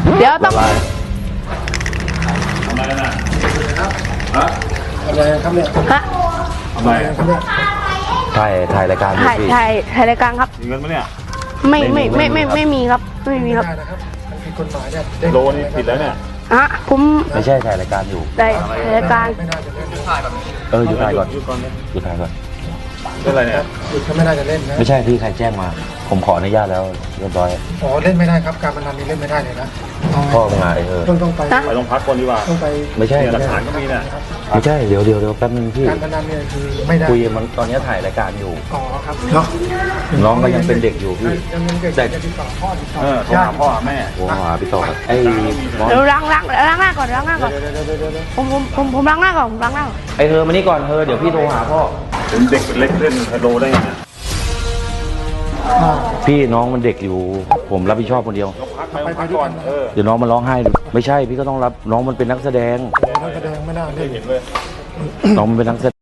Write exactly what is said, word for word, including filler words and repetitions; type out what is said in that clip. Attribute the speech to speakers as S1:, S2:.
S1: เดี๋ยวต้อง
S2: ละลาย
S3: ทำไมน่ะฮะ
S4: อะไรครับเนี่ย
S1: ฮะ
S3: ทำไม
S4: ครับเนี่ย
S2: ถ่ายถ่ายรายการอยู่
S1: ถ่าย
S2: พี่
S1: ถ่ายถ่ายรายการครับ
S3: มีเงินไหมเนี่ย
S1: ไม่ไม่ไม่ไม่ไม่มีครับไม่มีครับ
S4: ได้นะครับมันผิดกฎหมายเนี่ย
S3: โลนี่ผิดแล้วเนี่ย
S1: ฮะผม
S2: ไม่ใช่ถ่ายรายการอยู่
S1: ได้ถ่ายรายการ
S4: ไม่น่าจะเล่น
S2: เออหยุดถ่ายก่อน
S3: หยุดก่อนเนี่ย
S2: หยุดถ่ายก่อน
S3: เรื่องอะไรเนี่ย
S4: หยุดก็ไม่น่าจะเล่นนะ
S2: ไม่ใช่พี่ใครแจ้งมา ผมขออนุญาตแล้วเรียบร้อย
S4: อ๋อเล่นไม่ได้ครับการพนันนี่เล่นไม่ได้เลยนะ
S2: พ่อมึงมาเออ
S4: ต้องต้องไป
S3: ไปโรงพักก่อนดีกว่า
S4: ต้องไป
S2: ไม่ใช่
S3: หลักฐานก็มีเนี่ย
S2: ไม่ใช่เดี๋ยวเดี๋ยวเดี๋ยวแป๊บนึงพี่
S4: การพนันเนี่ยคือไม่ได้
S2: คุยมันตอนนี้ถ่ายรายการอยู่
S4: อ๋อครับเนาะ
S2: น้องก็ยังเป็นเด็กอยู่พี่
S4: ยังยังเด็ก
S2: แต่
S4: จะติดต่อพ่อติดต่อ
S3: เออโทรหาพ่อหาแม่
S2: โอ้หาพี่ต่อไอ้บอส
S1: เดี๋ยวล้างล้างล้างหน้าก่อนล้างหน้าก่อน
S4: เดี๋ยวเดี๋ยวเดี๋ยวเดี๋ยวเดี๋ยว
S1: ผมผมผมผมล้างหน้าก่อนผมล้างหน้าก่อน
S2: ไอ้เธอมานี่ก่อนเธอเดี๋ยวพี่โทรหาพ่อ
S3: เป็นเด็กเล็กเล่นไฮโลได้ไงเนี่ย
S4: อ่า
S2: พี่น้องมันเด็กอยู่ ผมรับผิดชอบคนเดียว
S3: โรงพักไปโรงพักก่อนเออ
S2: เดี๋ยวน้องมันร้องไห้ไม่ใช่พี่ก็ต้องรับน้องมันเป็นนักแสดง
S4: นักแสดงไม่น่าเล่น
S3: เห็นเลย
S2: น้องมันเป็นนักแสดง